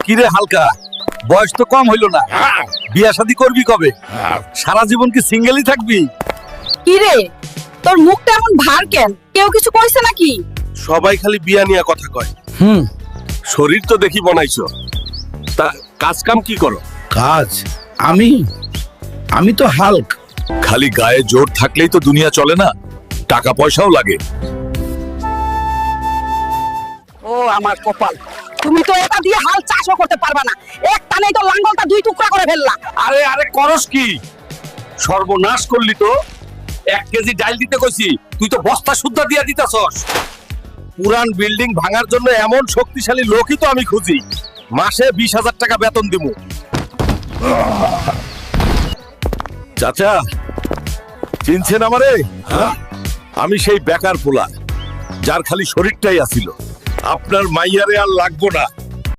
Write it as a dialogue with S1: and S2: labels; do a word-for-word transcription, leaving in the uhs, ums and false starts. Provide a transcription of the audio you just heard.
S1: কিরে হালকা, বয়স তো কম হইল না, বিয়া শাদী করবি কবে? সারা জীবন কি সিঙ্গেলই থাকবি?
S2: কি রে, তোর মুখটা এমন ভার কেন? কেউ কিছু কইছে নাকি?
S1: সবাই খালি বিয়া নিয়ে কথা কয়।
S3: হুম।
S1: শরীর তো দেখি বনাইছো, তা কাজ কাম কি করো?
S3: কাজ? আমি আমি তো হাল্ক।
S1: খালি গায়ে জোর থাকলেই তো দুনিয়া চলে না, টাকা পয়সাও লাগে।
S2: ও আমার কপাল, তুমি তো এটা দিয়ে হাল চাষও করতে পারবা না। এক টানেই তো লাঙ্গলটা দুই টুকরা করে ফেললা।
S1: আরে আরে করস কি? সর্বনাশ করলি তো। এক কেজি ডাল দিতে কইছি, তুই তো বস্তা সুদ্ধা দিয়া দিতাছস। পুরান বিল্ডিং ভাঙার জন্য এমন শক্তিশালী লোকই তো আমি খুঁজি। মাসে বিশ হাজার টাকা বেতন দিব। চাচা, চিনছেন আমারে? আমি সেই বেকার পোলা, যার খালি শরীরটাই আছিল। আপনার মাইয়ারে আর লাগবো না।